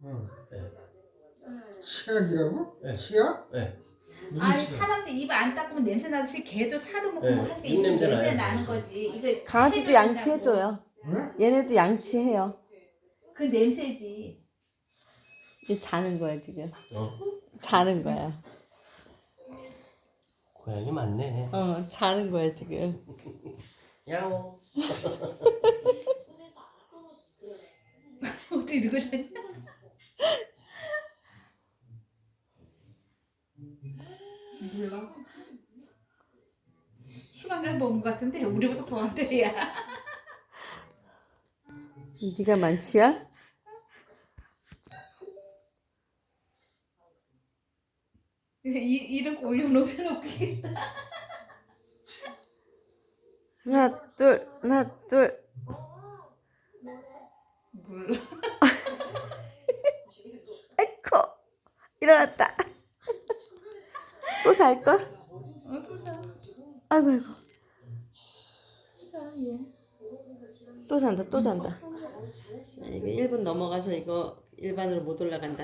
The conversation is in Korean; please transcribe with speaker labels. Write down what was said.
Speaker 1: 어.
Speaker 2: 네.
Speaker 1: 치약이라고?
Speaker 2: 네.
Speaker 1: 치약?
Speaker 2: 네.
Speaker 1: 무슨
Speaker 3: 아니
Speaker 1: 치약?
Speaker 3: 사람들 입 안 닦으면 냄새 나듯이 개도 사료 먹고
Speaker 2: 네,
Speaker 3: 뭐 하니까
Speaker 2: 입
Speaker 3: 입
Speaker 2: 냄새
Speaker 3: 냄새
Speaker 2: 나요.
Speaker 3: 나는 거지. 이거
Speaker 4: 강아지도
Speaker 3: 해줘야
Speaker 4: 양치해줘요.
Speaker 1: 응?
Speaker 4: 얘네도 양치해요.
Speaker 3: 그 냄새지.
Speaker 4: 얘 자는 거야 지금.
Speaker 2: 어.
Speaker 4: 자는 거야.
Speaker 2: 고양이 많네.
Speaker 4: 자는 거야 지금.
Speaker 2: 야옹.
Speaker 3: 어떻게 읽으셨냐? 몰라. 술 한 잔 먹은 것 같은데 우리보다 더 안 돼, 야.
Speaker 4: 네가 만취야?
Speaker 3: 이런 거 올려놓으면 웃기겠다.
Speaker 4: 하나 둘 하나 둘.
Speaker 3: 몰라.
Speaker 4: 에코 일어났다. 또 잘걸?
Speaker 3: 또 자.
Speaker 4: 아이고 아이고.
Speaker 3: 자, 얘.
Speaker 4: 또 잔다 또 잔다. 이거 1분 넘어가서 이거 일반으로 못 올라간다.